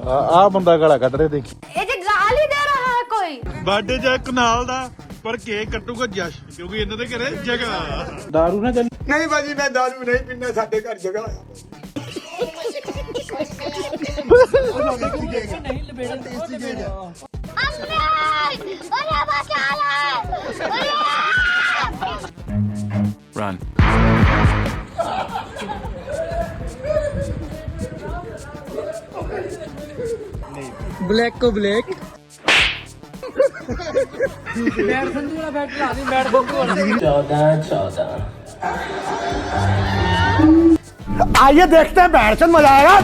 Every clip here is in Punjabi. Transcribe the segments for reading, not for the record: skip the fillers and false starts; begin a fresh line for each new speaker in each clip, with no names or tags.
ਆ ਬੰਦਾ ਗਾਲਾਂ ਕੱਢ ਰਿਹਾ ਦੇਖੀ।
ਇਹ ਜੇ ਗਾਲ ਹੀ ਦੇ ਰਹਾ ਹੈ ਕੋਈ।
ਬਰਥਡੇ ਜਾਂ ਕਨਾਲ ਦਾ ਪਰ ਕੇਕ ਕੱਟੂਗਾ ਜਸ਼, ਕਿਉਂਕਿ ਇਹਨਾਂ ਦੇ ਘਰੇ ਜਗ੍ਹਾ। ਦਾਰੂ ਨਾ ਚੱਲ।
ਨਹੀਂ ਭਾਜੀ ਮੈਂ ਦਾਰੂ ਨਹੀਂ ਪੀਂਦਾ, ਸਾਡੇ ਘਰ ਜਗ੍ਹਾ ਆ।
ਨਹੀਂ ਲਬੇੜਨ ਟੇਸਟੀ ਕੇਕ ਆ।
Run.
ब्लैक को ब्लैक बैट संधू वाला बैट ला दी, बैट संधू वाला
14-14
आइए देखते हैं बैठ से मजा आएगा।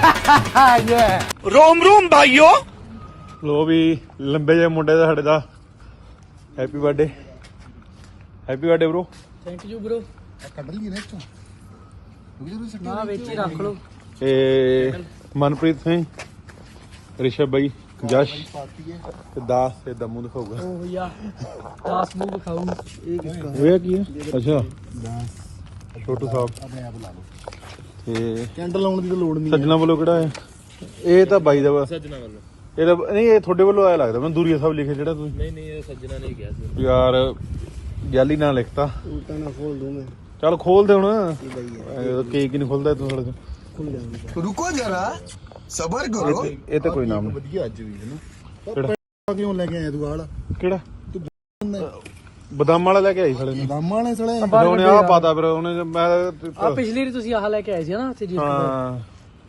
रोम रोम भाइयों।
ਲੋ ਵੀ ਲੰਬੇ ਜਿਹੇ ਮੁੰਡੇ ਦਾ ਸਾਡੇ ਦਾ happy birthday. Happy birthday bro.
Thank you bro.
ਕੱਢ ਲਈ ਨੇ ਚੋਂ
ना ਵਿੱਚ ਹੀ ਰੱਖ ਲਓ।
ਇਹ ਮਨਪ੍ਰੀਤ ਸਿੰਘ, ਰਿਸ਼ਭ ਬਾਈ, ਜਸ਼ ਤੇ ਦਾਸ ਤੇ ਦਮੂ ਦਿਖਾਊਗਾ।
ਉਹ ਯਾ 10 ਮੂੰਹ ਦਿਖਾਉਂ। ਇਹ ਕਿਸਕਾ
ਹੋਇਆ ਕੀ ਹੈ? ਅੱਛਾ ਛੋਟੂ ਸਾਹਿਬ
ਆਪਣੇ ਆਪ ਲਾ ਲਓ।
ਤੇ
ਕੈਂਡਲ ਲਾਉਣ ਦੀ ਤਾਂ ਲੋੜ ਨਹੀਂ।
ਸੱਜਣਾ ਵੱਲੋਂ ਕਿਹੜਾ ਹੈ? ਇਹ ਤਾਂ ਬਾਈ ਦਾ ਵਾ।
ਸੱਜਣਾ ਵੱਲੋਂ
ਇਹ ਤਾਂ ਨਹੀਂ, ਇਹ ਤੁਹਾਡੇ ਵੱਲੋਂ ਆਇਆ ਲੱਗਦਾ ਮੈਨੂੰ। ਦੂਰੀਆ ਸਾਹਿਬ ਲਿਖੇ ਜਿਹੜਾ ਤੁਸੀਂ।
ਨਹੀਂ ਇਹ ਸੱਜਣਾ ਨੇ ਕਿਹਾ ਸੀ
ਯਾਰ ਜਾਲੀ ਨਾਲ ਲਿਖਤਾ।
ਉਲਟਾ ਨਾ ਖੋਲ ਦੂੰ ਮੈਂ।
ਚੱਲ ਖੋਲ ਦੇ ਹੁਣ। ਕੇਕ ਹੀ ਨਹੀਂ ਖੁੱਲਦਾ ਇੱਥੋਂ ਸਾਡੇ ਤੋਂ।
ਰੁਕੋ ਜਰਾ ਸਬਰ ਕਰੋ।
ਇਹ ਤਾਂ ਕੋਈ ਨਾਮ ਨਹੀਂ।
ਵਧੀਆ ਅੱਜ ਵੀ ਹੈ ਨਾ।
ਕਿਹੜਾ
ਕਿਉਂ ਲੈ ਕੇ ਆਇਆ ਤੂੰ ਆਲਾ?
ਕਿਹੜਾ ਬਦਾਮ ਵਾਲਾ ਲੈ ਕੇ ਆਈ ਸਾਲੇ ਨੇ।
ਬਾਮਾਂ ਨੇ ਸਲੇ
ਉਹਨੇ ਆਹ ਪਾਤਾ ਫਿਰ ਉਹਨੇ। ਮੈਂ
ਆ ਪਿਛਲੀ ਵਾਰੀ ਤੁਸੀਂ ਆਹ ਲੈ ਕੇ ਆਏ ਸੀ ਨਾ ਉੱਥੇ ਜੀ।
ਹਾਂ
ਹਾਂ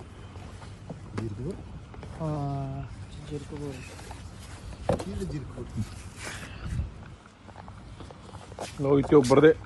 ਲੋ ਇੱਥੇ ਉੱਪਰ ਦੇ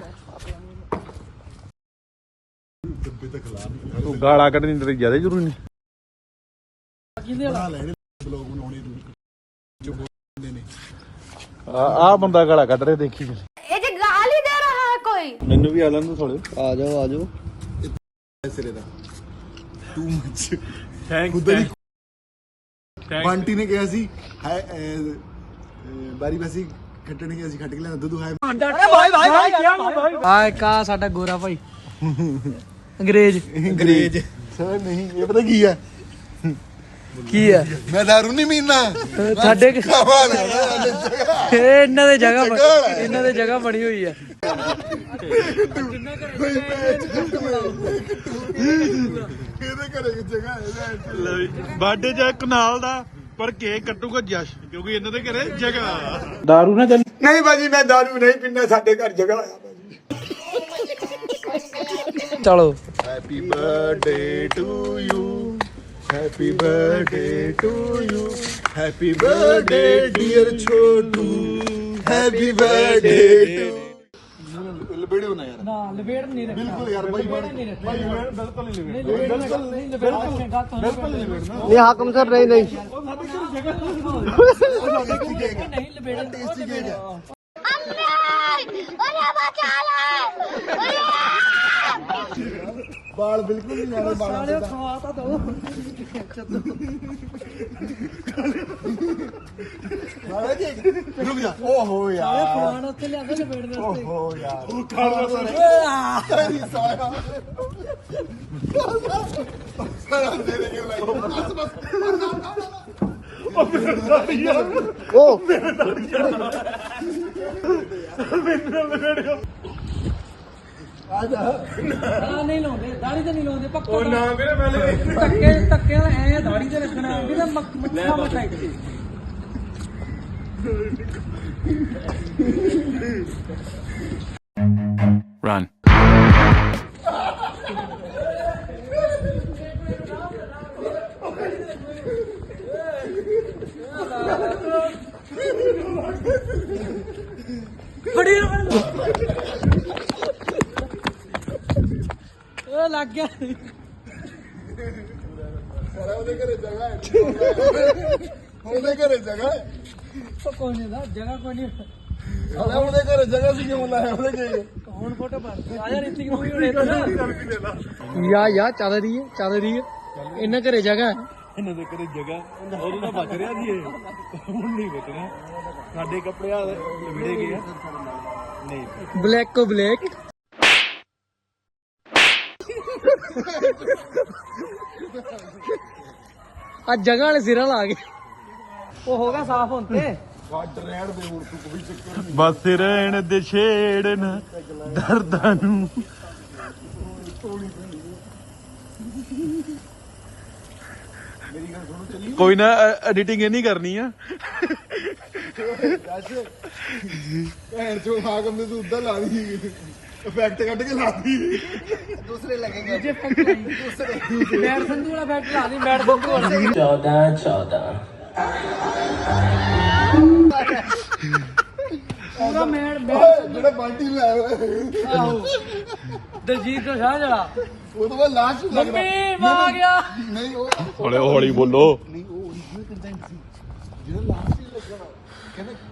ਤੂੰ ਗਾਲਾਂ ਕੱਢਣੀ ਤੇਰੀ ਜ਼ਿਆਦਾ ਜ਼ਰੂਰੀ ਨਹੀਂ।
ਕਿਹਦੇ ਵਾਲਾ
ਬਲੌਗ ਬਣਾਉਣੇ ਜੋ ਬੋਲਦੇ ਨੇ।
ਆ ਬੰਦਾ ਗਾਲਾਂ ਕੱਢ ਰਿਹਾ ਦੇਖੀ।
ਇਹ ਜੇ ਗਾਲ ਹੀ ਦੇ ਰਹਾ ਹੈ ਕੋਈ।
ਮੈਨੂੰ ਵੀ ਆ ਲੈਣ ਦੋ ਥੋੜੇ।
ਆ ਜਾਓ ਸਿਰੇ ਦਾ ਟੂ ਮੱਚ।
ਥੈਂਕ
ਬੰਟੀ ਨੇ ਕਿਹਾ ਸੀ ਹੈ ਬਾਰੀ ਬਾਸੀ ਖੱਟਣ ਗਿਆ ਸੀ, ਖੱਟ ਕੇ ਲਿਆ ਦੁੱਧ ਹੈ।
ਆ ਕਾ ਸਾਡਾ ਗੋਰਾ ਭਾਈ ਅੰਗਰੇਜ਼।
ਅੰਗਰੇਜ਼ ਸਰ ਨਹੀਂ, ਇਹ ਪਤਾ ਕੀ ਹੈ?
ਕੀ ਹੈ?
ਮੈਂ ਦਾਰੂ ਨਹੀਂ ਪੀਂਦਾ।
ਸਾਡੇ
ਇਹਦੇ
ਇਹ ਇਹਨਾਂ ਦੇ ਜਗ੍ਹਾ ਬਣੀ ਹੋਈ ਹੈ।
ਘਰੇ ਜਗ੍ਹਾ ਹੈ।
ਬਰਥਡੇ ਜਾਂ ਕਨਾਲ ਦਾ ਪਰ ਕੇਕ ਕੱਟੂਗਾ ਜਸ਼, ਕਿਉਂਕਿ ਇਹਨਾਂ ਦੇ ਘਰੇ ਜਗ੍ਹਾ। ਦਾਰੂ ਨਾ ਚੱਲ।
ਨਹੀਂ ਭਾਜੀ ਮੈਂ ਦਾਰੂ ਨਹੀਂ ਪੀਂਦਾ, ਸਾਡੇ ਘਰ ਜਗ੍ਹਾ ਆ ਭਾਜੀ।
ਚਲੋ
happy birthday to you, happy birthday to you, happy birthday dear Chhotu, happy birthday to. ਲਬੇੜੋ ਨਾ ਯਾਰ।
ਨਾ ਲਪੇੜ ਨਹੀਂ ਰੱਖਣਾ
ਬਿਲਕੁਲ ਯਾਰ ਬਾਈ
ਨਹੀਂ ਰੱਖਣਾ।
ਬਿਲਕੁਲ ਨਹੀਂ
ਨਹੀਂ ਬਿਲਕੁਲ ਨਹੀਂ ਲਪੇੜਨਾ।
ਨਹੀਂ ਹਾਕਮ ਸਰ ਨਹੀਂ ਨਹੀਂ।
ਨਹੀਂ ਲਪੇੜਨ ਟੇਸਟੀ ਕੇਕ ਆ।
ਬਾਲ ਬਿਲਕੁਲ ਨਹੀਂ ਨਾਲੇ ਬਾਲਾਂ
ਸਾਲਿਓ
ਦੇ।
ਖਵਾ ਤਾਂ ਦੋ।
ਰੁਕ ਜਾ। ਓਹੋ
ਸਾਲੇ
ਯਾਰ,
ਫਲਾਣ ਉੱਥੇ ਲਿਆਂਦਾ ਲਪੇੜਨ ਵਾਸਤੇ।
ਓਹੋ ਯਾਰ।
ਆ ਨਹੀਂ ਲਾਉਂਦੇ, ਦਾੜੀ ਤੇ ਨਹੀਂ ਲਾਉਂਦੇ ਪੱਕਾ।
ਉਹ ਨਾ ਮੇਰੇ ਪਹਿਲੇ
ਧੱਕੇ ਨਾਲ ਐ ਦਾੜੀ ਤੇ ਰੱਖਣਾ ਵੀ ਤਾਂ ਮੱਖਾ ਮੱਖਾ ਇੱਥੇ।
Run.
ਬੜੀ ਉਹ ਲੱਗ ਗਿਆ।
ਉਹਦੇ ਘਰੇ ਜਗ੍ਹਾ ਹੈ। ਉਹਦੇ ਘਰੇ ਜਗ੍ਹਾ ਹੈ।
ਕੋਈ ਨਹੀਂ ਦਾ ਜਗ੍ਹਾ ਕੋਈ ਨਹੀਂ।
ਉਹਦੇ ਘਰੇ ਜਗ੍ਹਾ ਸੀ ਕਿਉਂ ਲਾਇਆ ਉਹਦੇ ਘਰੇ?
ਹੁਣ ਫੋਟੋ ਪਾ ਆ ਜਾ ਰਿਤਿਕ ਮੂਵੀ ਹੋਣੇ ਯਾ ਚੱਲ ਰਹੀ ਹੈ ਇਹਨਾਂ ਘਰੇ ਜਗ੍ਹਾ ਹੈ।
ਇਹਨਾਂ ਦੇ ਘਰੇ ਜਗ੍ਹਾ ਉਹਨੂੰ ਤਾਂ ਬਚ ਰਿਹਾ ਜੀ। ਇਹ ਹੁਣ ਨਹੀਂ ਬਚਣਾ। ਸਾਡੇ ਕੱਪੜੇ ਆ ਵਿੜੇ ਗਏ ਆ। ਨਹੀਂ
ब्लैक को ब्लैक ਆ ਜਗ੍ਹਾ ਵਾਲੇ ਸਿਰਾਂ ਲਾ ਗਏ ਉਹ ਹੋ ਗਿਆ ਸਾਫ਼ ਹੁਣ ਤੇ
ਵੱਡ ਰਹਿਣ ਦੇ ਹੁਣ ਤੂੰ ਕੋਈ ਚੱਕਰ ਨਹੀਂ
ਬਸ ਰਹਿਣ ਦੇ ਛੇੜਨ ਦਰਦਾਂ ਨੂੰ
ਮੇਰੀ ਗੱਲ ਸੁਣੋ ਚੱਲੀ
ਕੋਈ ਨਾ ਐਡੀਟਿੰਗ ਇਹ ਨਹੀਂ ਕਰਨੀ ਆ
ਦੱਸ ਭੈਣ ਚੋ ਹਾਕਮ ਨੇ ਤੂੰ ਉੱਧਰ ਲਾ ਦੀ ਇਫੈਕਟ ਕੱਢ ਕੇ ਲਾ ਦੀ ਦੂਸਰੇ ਲੱਗेंगे
ਜੇ ਦੂਸਰੇ ਮੈਟ ਸੰਧੂ ਵਾਲਾ ਬੈਟ ਲਾ ਲਈ ਮੈਟ ਸੰਧੂ ਵਾਲਾ
14
ਪੂਰਾ ਮੈਟ
ਜਿਹੜਾ ਬਾਲਟੀ ਲਾਇਆ ਹੋਇਆ
ਆਹੋ ਦਲਜੀਤ ਦਾ ਸ਼ਾਹ ਜਿਹੜਾ
ਉਹ ਤੋਂ ਬਾਅਦ ਲਾਸਟ ਲੱਗਦਾ
ਮੰਮੀ ਮਾਂ ਆ ਗਿਆ
ਨਹੀਂ ਉਹ
ਹੌਲੀ ਹੌਲੀ ਬੋਲੋ
ਨਹੀਂ ਉਹ ਓਰੀਜਨਲ ਕੰਟੈਂਟ ਸੀ ਜਿਹੜਾ ਲਾਸਟ ਹੀ ਲੱਗਣਾ ਕਹਿੰਦਾ